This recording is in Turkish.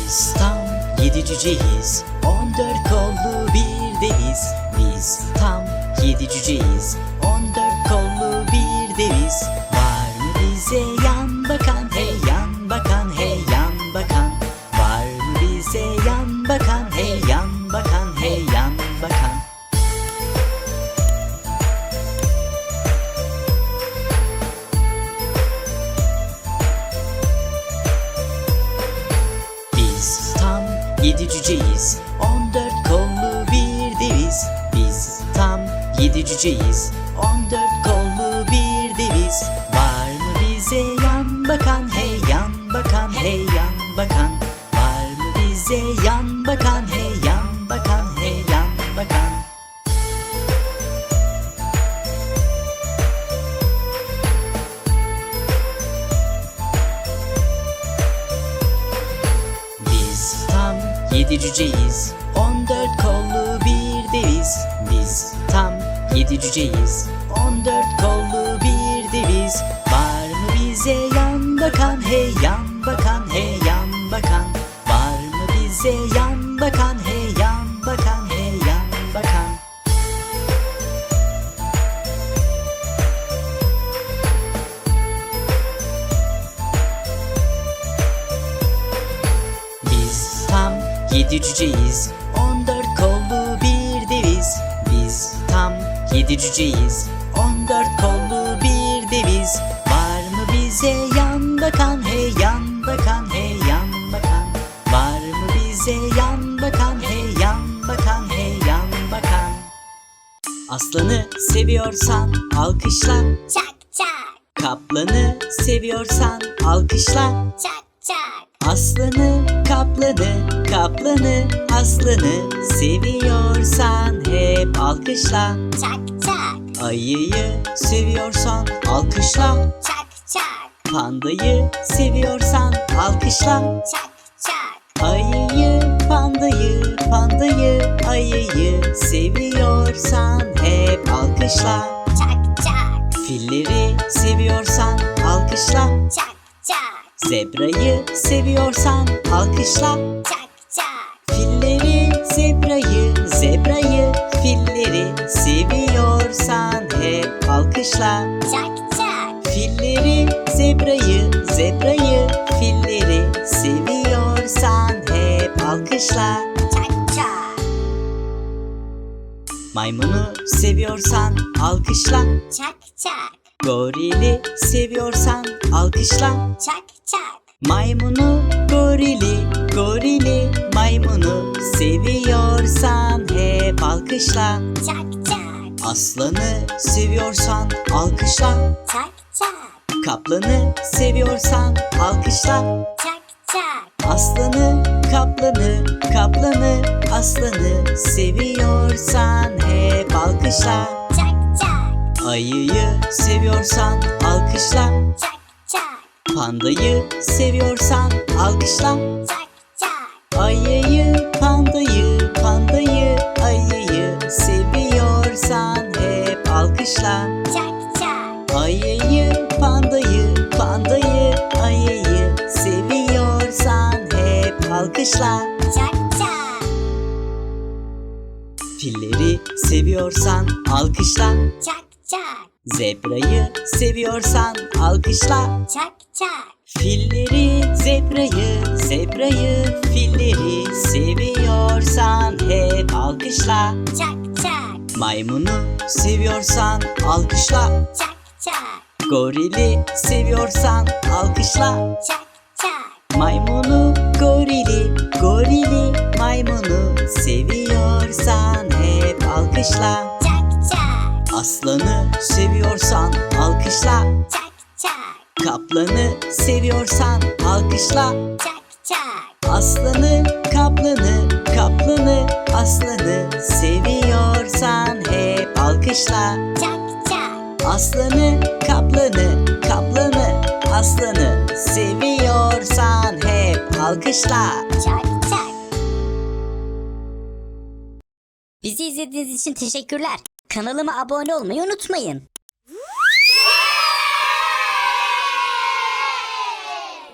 Biz tam 7 cüceyiz, 14 kollu bir deviz. Biz tam 7 cüceyiz, 14 kollu bir deviz. Var mı bize yan bakan, hey yan bakan, hey yan bakan? Var mı bize yan bakan, hey yan bakan, hey yan bakan? Biz tam 7 cüceyiz, 14 kollu bir deviz. Biz tam 7 cüceyiz, 14 kollu bir deviz. Var mı bize yan bakan, hey yan bakan, hey yan bakan? Var mı bize yan bakan, hey yan bakan, hey yan bakan? Biz tam 7 cüceyiz, 14 kollu bir deviz. Biz tam 7 cüceyiz, 14 kollu bir deviz. Var mı bize yan bakan, hey yan bakan, hey yan bakan? Var mı bize yan bakan, hey yan bakan, hey yan bakan? Biz tam 7 cüceyiz, 14 kollu bir deviz. Biz tam 7 cüceyiz, 14 kollu bir deviz. Var mı bize yan bakan, hey yan bakan, hey yan bakan? Var mı bize yan bakan, hey yan bakan, hey yan bakan? Aslanı seviyorsan alkışla, Çak çak, kaplanı seviyorsan alkışla. çak çak. Aslanı, kaplanı, kaplanı, aslanı seviyorsan hep alkışla. Çak çak, Ayıyı seviyorsan alkışla. çak çak, Pandayı seviyorsan alkışla. çak çak. Ayıyı, pandayı, pandayı, ayıyı seviyorsan hep alkışla. Çak çak, Filleri seviyorsan alkışla. çak çak, Zebrayı seviyorsan alkışla. çak çak. Filleri, zebrayı, zebrayı, filleri seviyorsan hep alkışla. Çak çak, Filleri, zebrayı, zebrayı, filleri seviyorsan hep alkışla. çak çak. Maymunu seviyorsan alkışla. Çak çak, Gorili seviyorsan alkışla. çak çak. Maymunu, gorili, gorili, maymunu seviyorsan hep alkışla. Çak çak, Aslanı seviyorsan alkışla. çak çak, Kaplanı seviyorsan alkışla. çak çak. Aslanı, kaplanı, kaplanı, aslanı seviyorsan hep alkışla. Çak çak, Ayıyı seviyorsan alkışla. çak çak, Pandayı seviyorsan alkışla. çak çak. Ayıyı, pandayı, pandayı, ayıyı seviyorsan hep alkışla. Çak çak, Ayıyı, pandayı, pandayı, ayıyı seviyorsan hep alkışla. çak çak, Filleri seviyorsan alkışla. çak çak, Zebrayı seviyorsan alkışla. çak çak. Filleri, zebrayı, zebrayı, filleri seviyorsan hep alkışla. Çak çak, Maymunu seviyorsan alkışla. çak çak, Gorili seviyorsan alkışla. çak çak. Maymunu, gorili, gorili, maymunu seviyorsan hep alkışla. Çak çak, Aslanı seviyorsan alkışla. çak çak, Kaplanı seviyorsan alkışla. çak çak. Aslanı, kaplanı, kaplanı, aslanı seviyorsan hep alkışla. Çak çak, Aslanı, kaplanı, kaplanı, aslanı seviyorsan hep alkışla. çak çak. Bizi izlediğiniz için teşekkürler. Kanalıma abone olmayı unutmayın.